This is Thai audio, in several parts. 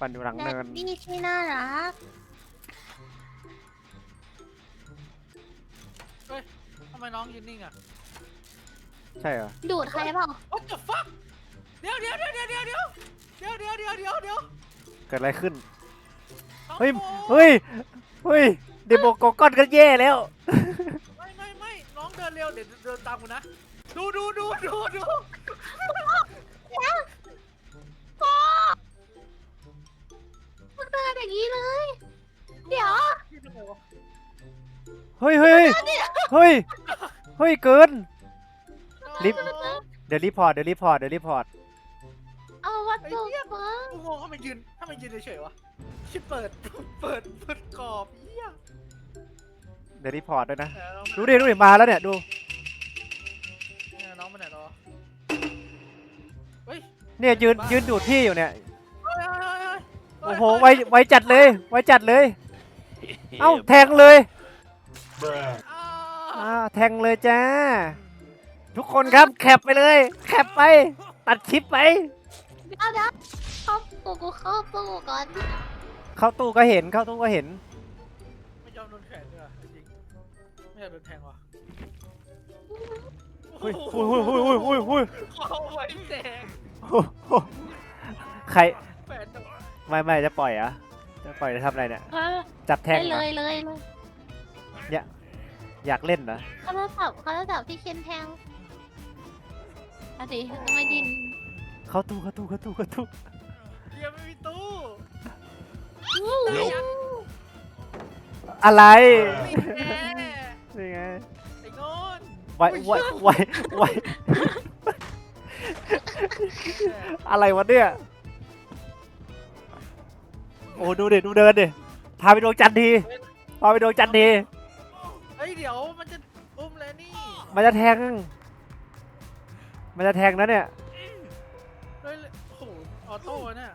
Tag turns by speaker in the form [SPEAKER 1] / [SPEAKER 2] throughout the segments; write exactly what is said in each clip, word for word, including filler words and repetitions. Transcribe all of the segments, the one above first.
[SPEAKER 1] ปั่นอยู่หลัง
[SPEAKER 2] แด
[SPEAKER 1] เนิ
[SPEAKER 2] ด
[SPEAKER 1] น
[SPEAKER 2] ดี้ที่น่ารัก
[SPEAKER 3] เฮ้ยทำไมน้องยืนนิ่งอ่ะ
[SPEAKER 1] ใช่เหรอ
[SPEAKER 2] ดูดใครเปล่า
[SPEAKER 3] What the fuck เดี๋ยวเดี๋ยวเดี๋ยวเดี๋ยวเดี๋ยวเดี๋ยวเดี๋ยวเดี๋ยวเดี๋ยวเดี๋ยวเดี๋ยว
[SPEAKER 1] เกิดอะไรขึ้น
[SPEAKER 3] น้อง
[SPEAKER 1] เฮ้ย
[SPEAKER 3] โฟ
[SPEAKER 1] เฮ้ยเฮ้ยเดโมโกก้อนก็แย่แล้ว
[SPEAKER 3] ไม่ไม่ไม่น้องเดินเร็วเดี๋ยวเดินตามกูนะดูดูดูดูดู
[SPEAKER 2] โป๊มันเดินอย่างนี้เลย เดี๋ยว
[SPEAKER 1] เฮ้ยเฮ้ยเฮ้ยเฮ้ยเกิน ลิฟต์ เดี๋ยวรีพอร์ตเดี๋ยวรีพอร์ตเดี๋ยวรีพอร์ต
[SPEAKER 2] เอาวัตถุฟัง
[SPEAKER 3] กูงงทำไมยืนทำไมยืนเฉยๆวะชิบเปิดเปิดเปิดกรอบเหี้ย
[SPEAKER 1] เดี๋ยวรีพอร์ตด้วยนะ
[SPEAKER 3] เออ
[SPEAKER 1] ดูดิดูดิมาแล้วเนี่ยดู
[SPEAKER 3] เนี่ยน้องไปไหนรอเฮ้ย
[SPEAKER 1] เนี่ยยืนยืนดูดพี่อยู่เนี่ย
[SPEAKER 3] เฮ้ยเฮ้ยเฮ้ยเฮ้ย
[SPEAKER 1] โอ้โหไวไวจัดเลยไวจัดเลย เอ้าแทงเลย
[SPEAKER 3] อ้า
[SPEAKER 1] อ่าแทงเลยจ้า ทุกคนครับแคปไปเลยแคปไป ตัดคลิปไป
[SPEAKER 2] เดี๋ยวเดี๋ยวเข้าปูกูเข้าปูก่อน
[SPEAKER 1] เข้าตู้ก็เห็นเข้าตู้ก็เห็น
[SPEAKER 3] ไม่ยอมโดนแขนด้วยจริงไม่อยากโดนแทงว่ะ
[SPEAKER 1] เฮ้ยเฮ้ยเฮ้ยเฮ้ยเฮ้ยเฮ้ยเฮ้ย
[SPEAKER 3] เอาไว้แดง
[SPEAKER 1] ใคร
[SPEAKER 3] แฟนจะ
[SPEAKER 1] ไม่ไม่จะปล่อยเหรอ่ะจะปล่อยจะทำอะไรเนี่ย
[SPEAKER 2] เออ
[SPEAKER 1] จับแทง
[SPEAKER 2] ได้
[SPEAKER 1] เหร
[SPEAKER 2] เล
[SPEAKER 1] อย
[SPEAKER 2] เลยเลย
[SPEAKER 1] อยากเล่นเหรอ
[SPEAKER 2] เขาจะจับเขาจะจับที่เคนแทงอะดิทำไมดิน
[SPEAKER 1] เข้าตู้เข้าตู้เข้าตู้เข้าตู้
[SPEAKER 3] เฮียไม่มีตู้
[SPEAKER 1] อะไร
[SPEAKER 3] ไม่แน่
[SPEAKER 1] นี่ไง
[SPEAKER 3] ไอ้โง่น
[SPEAKER 1] ไวไวไวไวอะไรวะเนี่ยโอ้ดูดิดูเดินดิพาไปดวงจันทร์ทีพาไปดวงจันทร์ที
[SPEAKER 3] เฮ้ยเดี๋ยวมันจะอุ้มแล้วนี่
[SPEAKER 1] มันจะแทง มันจะแทงนะเนี่ย
[SPEAKER 3] เฮ้ยโอ้โหออโต้เนี่ย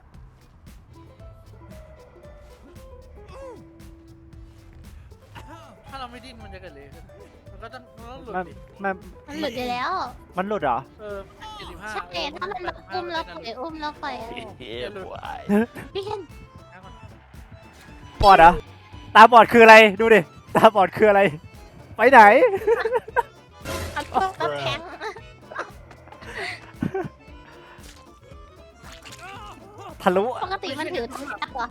[SPEAKER 3] ถ้าเราไม่ดิ้นมันจะเกิดอะไรขึ้นมันก็ต้องมันต้องหลุด
[SPEAKER 1] มัน
[SPEAKER 3] ดิ
[SPEAKER 1] มัน
[SPEAKER 2] มันหลุดไปแล้ว
[SPEAKER 1] มันหลุดเหรอ
[SPEAKER 3] เออเจ็ดสิบห้า
[SPEAKER 2] ใช่ถ้ามันอุ้มแล้วปล่อยอุ้มแล้วปล่อย
[SPEAKER 3] อย่าหลุด
[SPEAKER 2] พี่เคน
[SPEAKER 1] บอดเหรอ ตาบอดคืออะไร ดูดิ ตาบอดคืออะไร ไปไหน
[SPEAKER 2] เอาตุ๊กตาแทง
[SPEAKER 1] ทะลุ
[SPEAKER 2] ปกติมันถือทั้งจักรเหรอ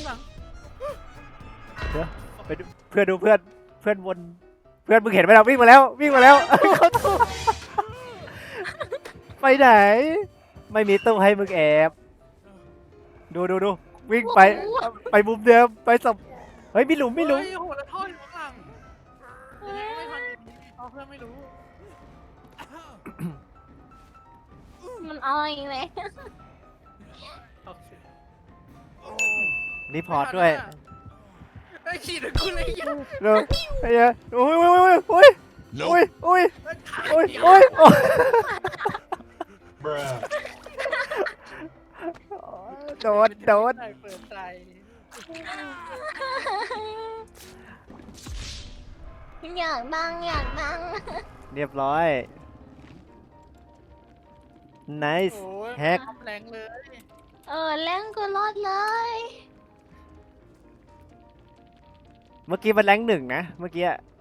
[SPEAKER 1] ไปดูเพื่อนดูเพื่อน เพื่อนวน เพื่อนมึงเห็นไหมเราวิ่งมาแล้ว วิ่งมาแล้ว เข้าตู้ไปไหน ไม่มีตู้ให้มึงแอบ ดูดูดูวิ่งไป ไปมุมเดิม ไปสับเฮ้ยมีหลุมมีหลุม
[SPEAKER 3] เฮ้ยโอ้โหแล้วท่ออยู่ข้างหลังไม่ทันเอาเพื่อนไม่รู้
[SPEAKER 2] มันเอาอีกเลย
[SPEAKER 3] โอเค
[SPEAKER 1] รีพอร์ตด้วย
[SPEAKER 3] ไอ้ขี่ถึงกูเลยยัง
[SPEAKER 1] เร็วไอ้เหี้ยโอ้ยโอ้ยโอ้ยโอ้ยโอ้ยโอ้ยโอ้ยโอ้ยโดนโดน
[SPEAKER 3] เปิดใจ
[SPEAKER 2] อยากดังอยากดัง
[SPEAKER 1] เรียบร้อย nice
[SPEAKER 3] โอ้ย
[SPEAKER 1] แฮก
[SPEAKER 3] แรงเลย
[SPEAKER 2] เออเล่นกูรอดเลย
[SPEAKER 1] เมื่อกี้มันแรงหนึ่งนะ เมื่อกี้